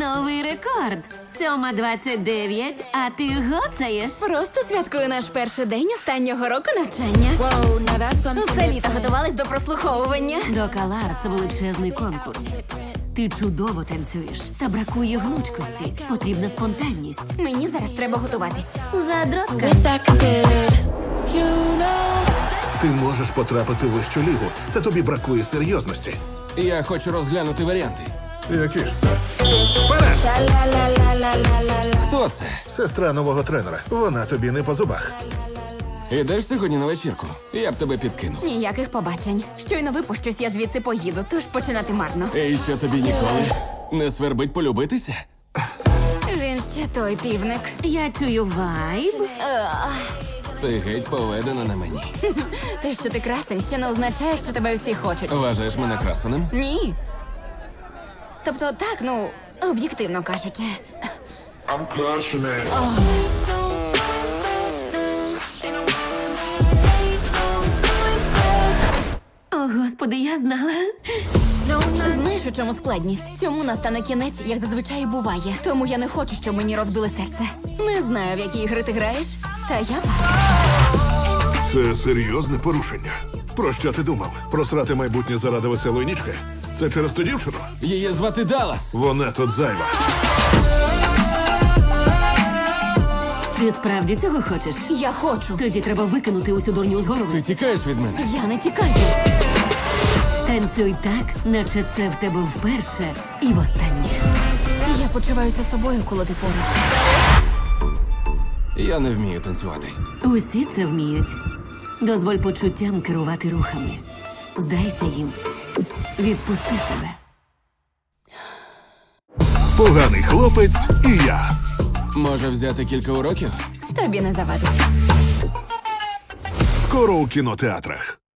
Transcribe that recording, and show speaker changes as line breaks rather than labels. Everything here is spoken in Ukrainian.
Новий рекорд. 7:29, а ти гоцаєш.
Просто святкую наш перший день останнього року навчання.
Whoa, now that's something
Усе літо
different.
готувались до прослуховування.
До Калар це величезний конкурс. Ти чудово танцюєш, та бракує гнучкості. Потрібна спонтанність.
Мені зараз треба готуватись.
Задротка.
With acted, you know.
Ти можеш потрапити в вищу лігу, та тобі бракує серйозності.
Я хочу розглянути варіанти.
Які ж це? Вперед!
Sha-la-la-la-la-la-la-la.
Хто це?
Сестра нового тренера. Вона тобі не по зубах.
Ідеш сьогодні на вечірку? Я б тебе підкинув.
Ніяких побачень. Щойно випущусь, я звідси поїду, тож починати марно.
І що тобі ніколи не свербить полюбитися?
Він ще той півник.
Я чую вайб.
Ти геть поведена на мені.
Те, що ти красень, ще не означає, що тебе всі хочуть.
Вважаєш мене красеним?
Ні. Тобто так, ну, об'єктивно кажучи.
I'm crushing it.
О, господи, я знала.
Знаєш, у чому складність? Цьому настане кінець, як зазвичай і буває. Тому я не хочу, щоб мені розбили серце. Не знаю, в які ігри ти граєш, та я пас.
Це серйозне порушення. Про що ти думав? Просрати майбутнє заради веселої нічки? Це через ту дівчину?
Її звати Даллас.
Вона тут зайва.
Ти справді цього хочеш?
Я хочу.
Тоді треба викинути усю дурню з голови.
Ти тікаєш від мене?
Я не тікаю.
Танцюй так, наче це в тебе вперше і востаннє.
Я почуваюся собою, коли ти поруч.
Я не вмію танцювати.
Усі це вміють. Дозволь почуттям керувати рухами. Здайся їм. Відпусти себе.
Поганий хлопець і я.
Може взяти кілька уроків?
Тобі не завадить.
Скоро у кінотеатрах.